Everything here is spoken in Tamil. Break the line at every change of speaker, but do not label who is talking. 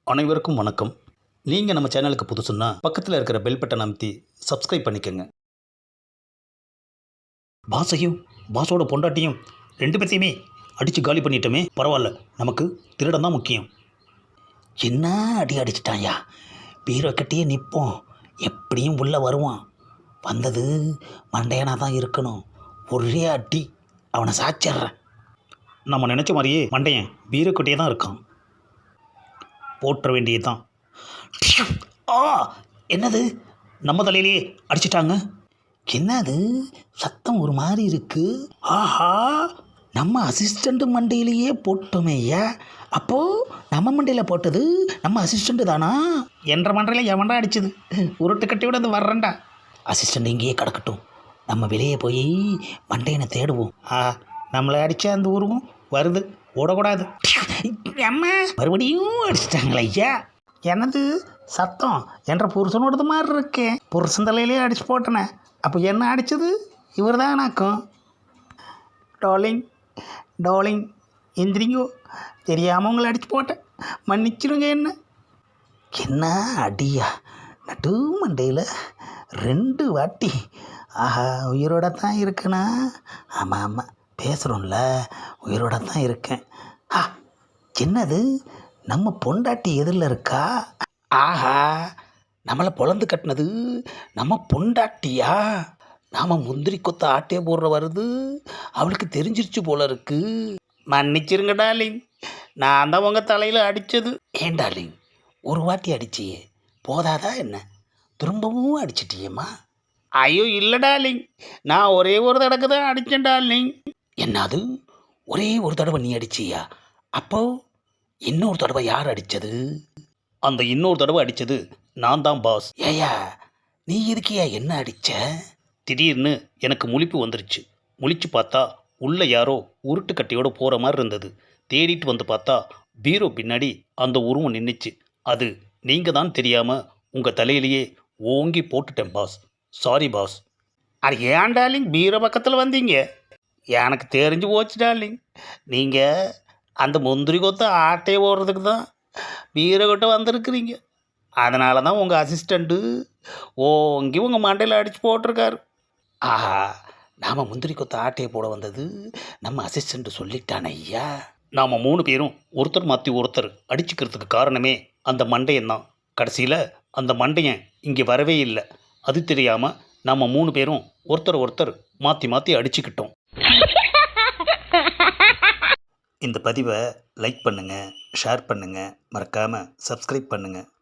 அனைவருக்கும் வணக்கம். நீங்கள் நம்ம சேனலுக்கு புதுசுன்னா பக்கத்தில் இருக்கிற பெல் பட்டன் அமைத்தி சப்ஸ்கிரைப் பண்ணிக்கோங்க. பாஸையும் பாஸோட பொண்டாட்டியும் ரெண்டு பேர்த்தையுமே அடித்து காலி பண்ணிட்டோமே, பரவாயில்ல, நமக்கு திருடன் தான் முக்கியம். என்ன அடி அடிச்சிட்டாயா, பீரோ கட்டியே நிற்போம், எப்படியும் உள்ளே வருவான். வந்தது மண்டையனாக தான் இருக்கணும். ஒரே அடி அவனை சாச்சிட்றேன். நம்ம நினச்ச மாதிரியே மண்டையன் பீரோ கட்டியே தான் இருக்கான். போற்ற வேண்டியது தான். ஆ, என்னது, நம்ம தலையிலேயே அடிச்சிட்டாங்க. என்னது சத்தம் ஒரு மாதிரி இருக்கு. ஆஹா, நம்ம அசிஸ்டண்ட் மண்டையிலேயே போட்டோமே ஐயா. அப்போது நம்ம மண்டையில் போட்டது நம்ம அசிஸ்டண்ட்டு தானா? என்ற மண்டையில் எவன்டா அடிச்சது? உருட்டு கட்டியோட அது வர்றேன்டா. அசிஸ்டண்ட் இங்கேயே கிடக்கட்டும், நம்ம வெளியே போய் மண்டையனை தேடுவோம். நம்மளை அடித்த அந்த உருவம் வருது, ஓடக்கூடாது. அம்மா, மறுபடியும் அடிச்சிட்டாங்களே ஐயா. எனது சத்தம் என்ற புருஷனோடது மாதிரி இருக்கேன். புருஷன் தலையிலே அடிச்சு போட்டனே, அப்போ என்ன அடித்தது இவர் தான் நாக்கும். டார்லிங் டார்லிங், எந்திரிங்கோ, தெரியாமல் உங்களை அடிச்சு போட்டேன், மன்னிச்சிடுங்க. என்ன அடியா, நடு மண்டையில் 2 வாட்டி. ஆஹா, உயிரோட தான் இருக்குண்ணா. ஆமாம் ஆமாம், பேசுகிறோம்ல, உயிரோட தான் இருக்கேன். என்னது, நம்ம பொண்டாட்டி எதிரில் இருக்கா? ஆஹா, நம்மளை பொழந்து கட்டினது நம்ம பொண்டாட்டியா? நாம் முந்திரி கொத்த ஆட்டே போடுற வருது, அவளுக்கு தெரிஞ்சிருச்சு போல இருக்கு. மன்னிச்சிருங்க டார்லிங், நான் தான் உங்கள் தலையில் அடித்தது. ஏன் டார்லிங், ஒரு வாட்டி அடிச்சியே போதாதா என்ன? திரும்பவும் அடிச்சிட்டியேம்மா? ஐயோ இல்லை டார்லிங், நான் ஒரே ஒரு தடவை தான் அடித்தேன் டார்லிங். என்னது, ஒரே ஒரு தடவை நீ அடிச்சியா? அப்போ இன்னொரு தடவை யார் அடித்தது? அந்த இன்னொரு தடவை அடித்தது நான் தான் பாஸ். ஏயா, நீ எதுக்கியா என்ன அடித்த? திடீர்னு எனக்கு முழிப்பு வந்துருச்சு. முழிச்சு பார்த்தா உள்ளே யாரோ உருட்டு கட்டையோடு போகிற மாதிரி இருந்தது. தேடிட்டு வந்து பார்த்தா பீரோ பின்னாடி அந்த உருவம் நின்றுச்சு. அது நீங்கள் தான் தெரியாமல் உங்கள் தலையிலேயே ஓங்கி போட்டுட்டேன் பாஸ். Sorry boss. அது ஏன் டார்லிங் பீரோ பக்கத்தில் வந்தீங்க? எனக்கு தெரிஞ்சு போச்சு டார்லிங், நீங்கள் அந்த முந்திரி கொத்த ஆட்டையை ஓடுறதுக்கு தான் பீரோ கிட்ட வந்திருக்கிறீங்க. அதனால தான் உங்கள் அசிஸ்டண்ட்டு ஓங்கி உங்கள் மண்டையில் அடித்து போட்டிருக்காரு. ஆஹா, நாம் முந்திரி கொத்த ஆட்டையை போட வந்தது நம்ம அசிஸ்டண்ட்டு சொல்லிட்டான ஐயா. நாம் 3 பேரும் ஒருத்தர் மாற்றி ஒருத்தர் அடிச்சுக்கிறதுக்கு காரணமே அந்த மண்டையன் தான். கடைசியில் அந்த மண்டையன் இங்கே வரவே இல்லை. அது தெரியாமல் நம்ம 3 பேரும் ஒருத்தர் மாற்றி மாற்றி அடிச்சுக்கிட்டோம். இந்த பதிவை லைக் பண்ணுங்கள், ஷேர் பண்ணுங்கள், மறக்காமல் சப்ஸ்கிரைப் பண்ணுங்கள்.